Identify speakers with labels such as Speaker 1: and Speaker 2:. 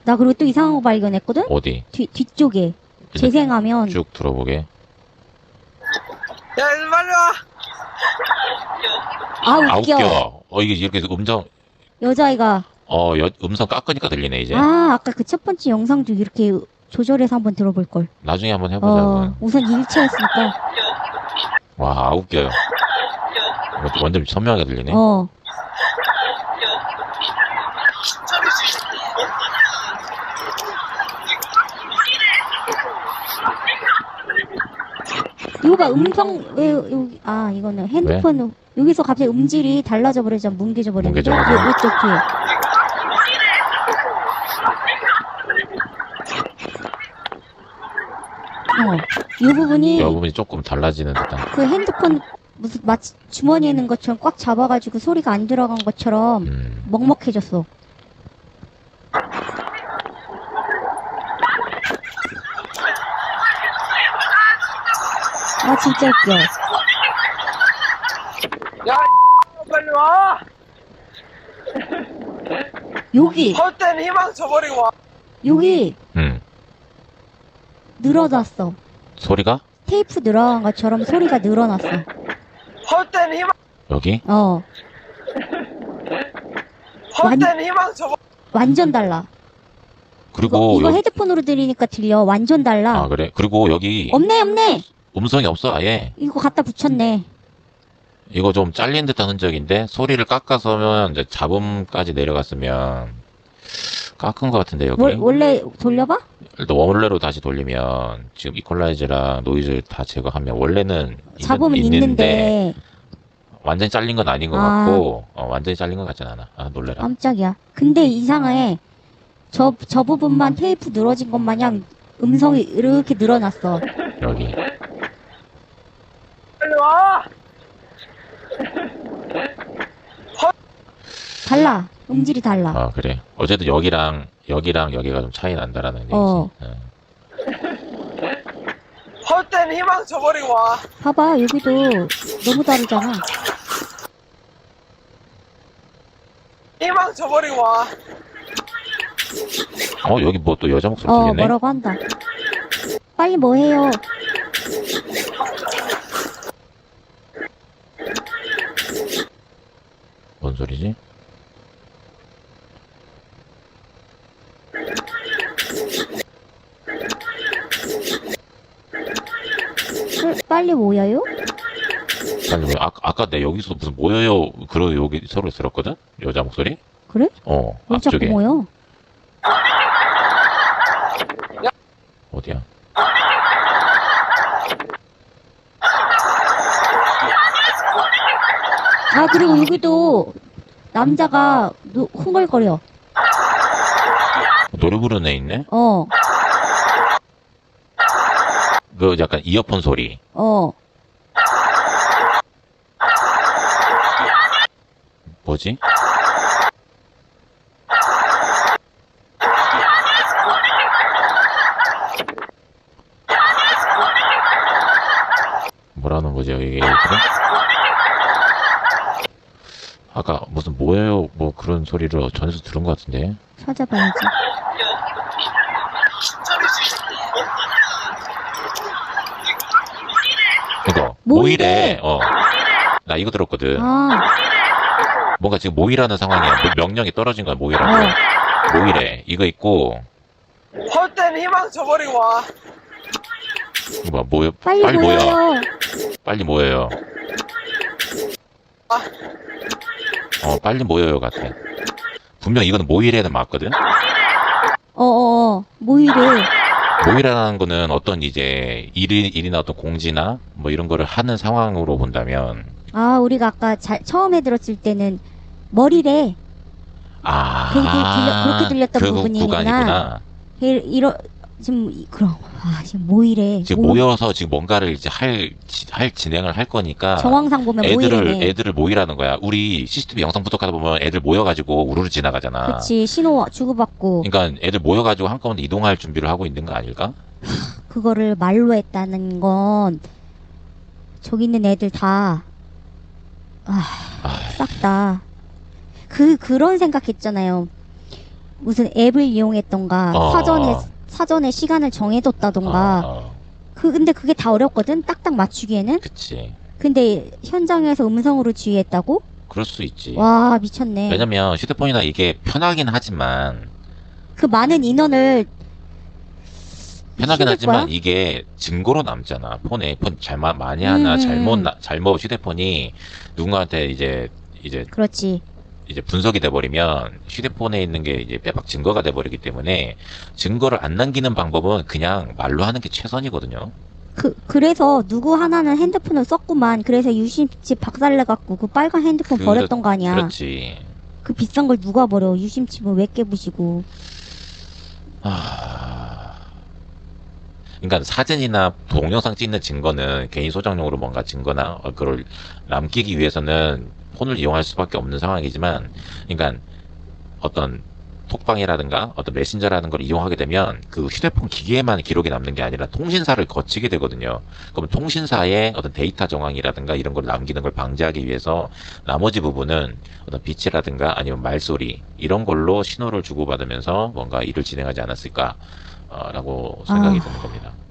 Speaker 1: 나 그리고 또 이상한 거 발견했거든?
Speaker 2: 어디?
Speaker 1: 뒤쪽에. 재생하면.
Speaker 2: 쭉 들어보게.
Speaker 3: 야, 이리 빨리 와!
Speaker 1: 아, 웃겨.
Speaker 2: 이게 이렇게 음성,
Speaker 1: 여자아이가.
Speaker 2: 음성 깎으니까 들리네, 이제.
Speaker 1: 아까 그 첫 번째 영상도 이렇게 조절해서 한번 들어볼걸.
Speaker 2: 나중에 한번 해보자고.
Speaker 1: 우선 일체였으니까.
Speaker 2: 와, 웃겨요. 이거 완전 선명하게 들리네.
Speaker 1: 이거 봐, 왜, 여기, 이거는 핸드폰, 여기서 갑자기 음질이 달라져 버리잖아. 뭉개져 버리는데. 어떻게. 이 부분이
Speaker 2: 조금 달라지는 듯한.
Speaker 1: 그 핸드폰 무슨 마치 주머니에 있는 것처럼 꽉 잡아가지고 소리가 안 들어간 것처럼 먹먹해졌어. 진짜 웃겨.
Speaker 3: 야, 빨리 와!
Speaker 1: 여기
Speaker 3: 헛된 희망 저버리고 와!
Speaker 1: 여기 늘어났어.
Speaker 2: 소리가?
Speaker 1: 테이프 늘어간 것처럼 소리가 늘어났어.
Speaker 3: 헛된 희망!
Speaker 2: 여기?
Speaker 3: 헛된 희망 저버리
Speaker 1: 완전 달라.
Speaker 2: 그리고
Speaker 1: 이거 헤드폰으로 들으니까 들려. 완전 달라.
Speaker 2: 그래? 그리고 여기
Speaker 1: 없네.
Speaker 2: 음성이 없어, 아예.
Speaker 1: 이거 갖다 붙였네.
Speaker 2: 이거 좀 잘린 듯한 흔적인데 소리를 깎아서면 이제 잡음까지 내려갔으면 깎은 것 같은데 여기.
Speaker 1: 원래 돌려봐?
Speaker 2: 일단 원래로 다시 돌리면 지금 이퀄라이저랑 노이즈 다 제거하면 원래는
Speaker 1: 잡음은 있는데
Speaker 2: 완전히 잘린 건 아닌 것 같고 완전히 잘린 것 같진 않아. 놀래라.
Speaker 1: 깜짝이야. 근데 이상해. 저 부분만 테이프 늘어진 것 마냥 음성이 이렇게 늘어났어.
Speaker 2: 여기.
Speaker 3: 빨리 와!
Speaker 1: 달라. 음질이 달라.
Speaker 2: 그래. 어쨌든 여기랑 여기가 좀 차이 난다라는 얘기지.
Speaker 3: 헛된 희망 저버리고 와!
Speaker 1: 봐봐. 여기도 너무 다르잖아.
Speaker 3: 희망 저버리고 와!
Speaker 2: 여기 뭐 또 여자 목소리 들리네.
Speaker 1: 뭐라고 한다. 빨리 뭐 해요.
Speaker 2: 뭔 소리지?
Speaker 1: 빨리 모여요?
Speaker 2: 아니, 아까 내 여기서 무슨 모여요, 그러 여기 서로 들었거든? 여자 목소리?
Speaker 1: 그래? 왜 자꾸
Speaker 2: 앞쪽에.
Speaker 1: 모여?
Speaker 2: 어디야?
Speaker 1: 그리고 여기도 남자가 흥얼거려.
Speaker 2: 노래 부르는 애 있네? 그 약간 이어폰 소리. 뭐지? 뭐라는 거지, 여기. 그래? 아까 무슨 뭐예요? 뭐 그런 소리를 전에서 들은 것 같은데.
Speaker 1: 찾아봐야지.
Speaker 2: 이거
Speaker 1: 모이래.
Speaker 2: 나 이거 들었거든. 뭔가 지금 모이라는 상황이야. 명령이 떨어진 거야, 모이라고. 모이래. 이거 있고.
Speaker 3: 헛된 희망 저버리고 와!
Speaker 2: 뭐 모여.
Speaker 1: 빨리
Speaker 2: 모여.
Speaker 1: 모여요.
Speaker 2: 빨리 모여요. 빨리 모여요 같아. 분명 이거는 모이래는 맞거든.
Speaker 1: 모이래.
Speaker 2: 모이라는 거는 어떤 이제 일이나 어떤 공지나 뭐 이런 거를 하는 상황으로 본다면.
Speaker 1: 우리가 아까 처음에 들었을 때는 머리래. 그렇게 들렸던
Speaker 2: 그
Speaker 1: 부분이구나.
Speaker 2: 구간이구나.
Speaker 1: 지금 모이래.
Speaker 2: 지금 모여서 지금 뭔가를 이제 진행을 할 거니까.
Speaker 1: 정황상 보면 모이래.
Speaker 2: 애들을 모이라는 거야. 우리 CCTV 영상 부탁하다 보면 애들 모여가지고 우르르 지나가잖아.
Speaker 1: 그치, 신호 주고받고.
Speaker 2: 그러니까 애들 모여가지고 한꺼번에 이동할 준비를 하고 있는 거 아닐까?
Speaker 1: 그거를 말로 했다는 건, 저기 있는 애들 다, 싹 다. 그런 생각했잖아요. 무슨 앱을 이용했던가 사전에 시간을 정해뒀다던가 근데 그게 다 어렵거든 딱딱 맞추기에는.
Speaker 2: 그치.
Speaker 1: 근데 현장에서 음성으로 지휘했다고?
Speaker 2: 그럴 수 있지.
Speaker 1: 와 미쳤네.
Speaker 2: 왜냐면 휴대폰이나 이게 편하긴 하지만
Speaker 1: 그 많은 인원을
Speaker 2: 편하긴
Speaker 1: 힘들
Speaker 2: 하지만
Speaker 1: 거야?
Speaker 2: 이게 증거로 남잖아. 폰에 폰 잘못 많이 하나 잘못 휴대폰이 누군가한테 이제
Speaker 1: 그렇지.
Speaker 2: 분석이 돼버리면 휴대폰에 있는 게 이제 빼박 증거가 돼버리기 때문에 증거를 안 남기는 방법은 그냥 말로 하는 게 최선이거든요.
Speaker 1: 그래서 누구 하나는 핸드폰을 썼구만. 그래서 유심칩 박살내갖고 그 빨간 핸드폰 버렸던 거 아니야.
Speaker 2: 그렇지.
Speaker 1: 그 비싼 걸 누가 버려. 유심칩은 왜 깨부시고.
Speaker 2: 그러니까 사진이나 동영상 찍는 증거는 개인 소장용으로 뭔가 증거나 그걸 남기기 위해서는 폰을 이용할 수밖에 없는 상황이지만, 그러니까 어떤 톡방이라든가 어떤 메신저라는 걸 이용하게 되면 그 휴대폰 기기에만 기록이 남는 게 아니라 통신사를 거치게 되거든요. 그럼 통신사의 어떤 데이터 정황이라든가 이런 걸 남기는 걸 방지하기 위해서 나머지 부분은 어떤 빛이라든가 아니면 말소리 이런 걸로 신호를 주고받으면서 뭔가 일을 진행하지 않았을까 라고 생각이 드는 겁니다.